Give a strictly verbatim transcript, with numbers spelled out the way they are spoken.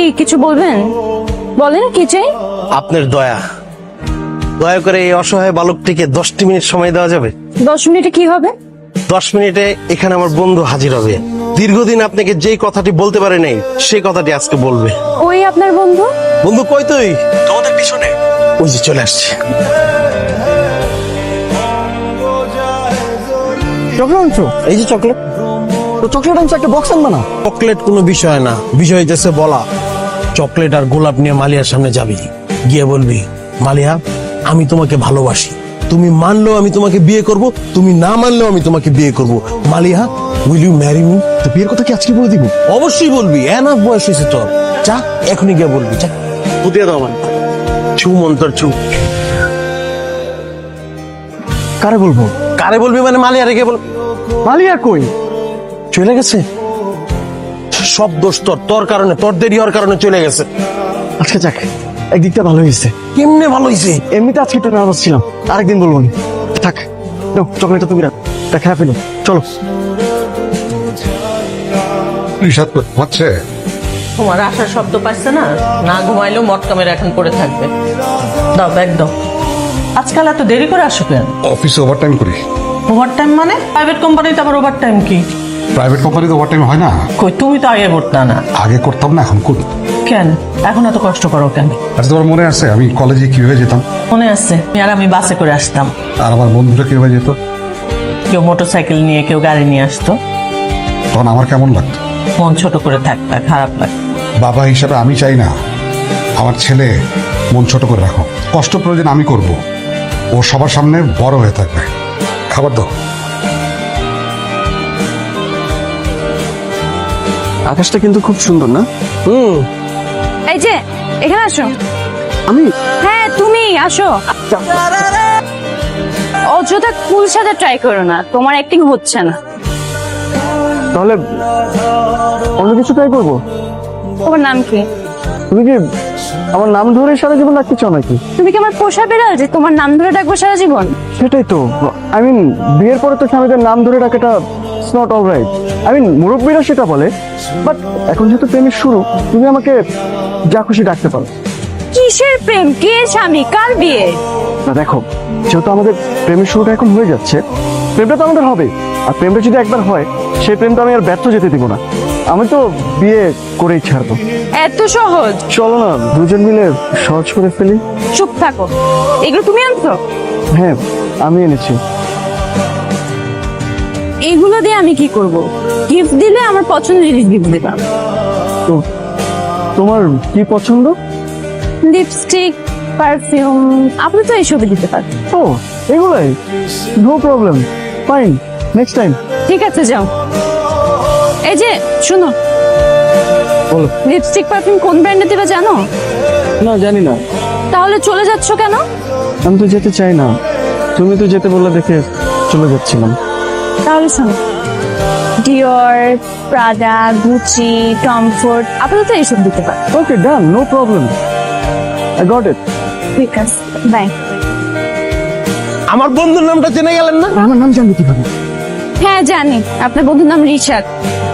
কিছু বলবেন? বলেন কি চাই? আপনার দয়া দয়া করে এই অসহায় বালকটিকে দশটি মিনিট সময় দেওয়া যাবে? দশ মিনিটে কি হবে? দশ মিনিটে এখানে আমার বন্ধু হাজির হবে। দীর্ঘদিন আপনাকে যেই কথাটি বলতে পারে নাই সেই কথাটি আজকে বলবে। ওই আপনার বন্ধু? বন্ধু কই তুই? তোমাদের পিছনে। ওই যে চলে আসছে। চকলেট আনছো? এই যে চকলেট। তো চকলেট আনছো, একটা বক্স আনবা না? চকলেট কোনো বিষয় না, বিষয় হইতেছে বলা। চকলেট আর গোলাপ নিয়ে মালিয়ার সামনে যাবি, গিয়ে বলবি, মালিয়া আমি তোমাকে ভালোবাসি, তুমি মানলেও আমি তোমাকে বিয়ে করব, তুমি না মানলেও আমি তোমাকে বিয়ে করব। Maliya will you marry me? তো বিয়ের কথা কি আজকে বলে দিব? অবশ্যই বলবি, এনাফ বয়স হয়েছে তোর। যা এখনই গিয়ে বলবি, যা পুতিয়ে দাও আমার। ছু মন্তর ছু। কারে বলবো? কারে বলবি মানে মালিয়া রেখে বল। মালিয়া কই? চলে গেছে। সব দোষ তোর, তোর কারণে, তোর দেরি হওয়ার কারণে চলে গেছে। আচ্ছা যাক, একদিকটা ভালো হয়েছে। কেমনে ভালো হয়েছে? এমনিতে আজকে একটু নার্ভাস ছিলাম, আরেকদিন বলবো না। থাক, নাও চকলেটটা তুমি রাখ, এটা খেয়ে ফেলো। চলো। রিসাদ হচ্ছে তোমার আসার শব্দ পাচ্ছে না, না ঘুমাইলেও মটকা মেরে এখন পড়ে থাকবে। দাও ব্যাগ দাও। আজকাল এত দেরি করে আসো কেন? অফিসে ওভারটাইম করি। ওভার টাইম মানে? প্রাইভেট কোম্পানিতে আবার ওভার টাইম কি? প্রাইভেট কোম্পানিতে ওভারটাইম হয় না? কই, তুমি তো আগে করতা না। আগে করতাম না, এখন করি। কেন এখন এত কষ্ট করো কেন? আচ্ছা, তোমার মনে আছে আমি কলেজে কিভাবে যেতাম? মনে আছে, আর আমি বাসে করে আসতাম। আর আমার বন্ধুরা কিভাবে যেত? কেউ মোটর সাইকেল নিয়ে, কেউ গাড়ি নিয়ে আসতো। তখন আমার কেমন লাগতো? মন ছোট করে থাকতা, খারাপ লাগতো। বাবা হিসাবে আমি চাই না আমার ছেলে মন ছোট করে রাখো। কষ্ট প্রয়োজন আমি করব, ও সবার সামনে বড় হয়ে থাকবে। খাবার দাও। আকাশটা কিন্তু খুব সুন্দর না? হুম। এই যে এখানে আসো। আমি? হ্যাঁ তুমি আসো। অযথা কুল সাথে ট্রাই করো না, তোমার অ্যাক্টিং হচ্ছে না। তাহলে অন্য কিছু ট্রাই করবো? তোমার নাম কি? তুমি কি আমার নাম ধরে সারা জীবন রাখতে চাও নাকি? তুমি কি আমার পোষা বেড়াল যে তোমার নাম ধরে ডাকবো সারা জীবন? সেটাই তো, আই মিন বিয়ের পরে তো স্বামীদের নাম ধরে ডাকাটা it's not all right. I mean মুরব্বীরা সেটা বলে, বাট এখন যেহেতু প্রেমের শুরু, তুমি আমাকে যা খুশি ডাকতে পারো। কিসের প্রেম? কে স্বামী? কার বিয়ে? না দেখো, যেহেতু আমাদের প্রেমের শুরুটা এখন হয়ে যাচ্ছে, প্রেমটা তো আমাদের হবে। আর প্রেমটা যদি একবার হয়, সেই প্রেমটা আমি আর ব্যর্থ যেতে দিব না। আমি তো বিয়ে করেই ছাড়বো। এত সহজ? চলো না দুজন মিলে সহজ করে ফেলি। চুপ থাকো, এগুলো তুমি আনছো? হ্যাঁ আমি এনেছি। এগুলো দিয়ে আমি কি করব? গিফট দিলে আমার পছন্দের জিনিস গিফট দিলাম। তো তোমার কি পছন্দ? লিপস্টিক, পারফিউম, আপনি তো এইসবই দিতে পারেন। ও এগুলাই, no problem, fine, next time. ঠিক আছে যাও। এই যে শুনো, বলো। লিপস্টিক পারফিউম কোন ব্র্যান্ডের দিবে জানো? না জানি না। তাহলে চলে যাচ্ছ কেন? আমি তো যেতে চাই না, তুমি তো যেতে বললে দেখে চলে যাচ্ছিলাম। তাহলে শোনো, ডিওর, প্রাডা, গুচি, টমফোর্ড, আপাতত এইসব দিতে পারো। Okay done, no problem, I got it. ঠিক আছে, বাই। আমার বন্ধুর নামটা জেনে গেলেন না? আমার নাম জানবে কিভাবে? হ্যাঁ জানি, আপনার বন্ধুর নাম রিশাদ।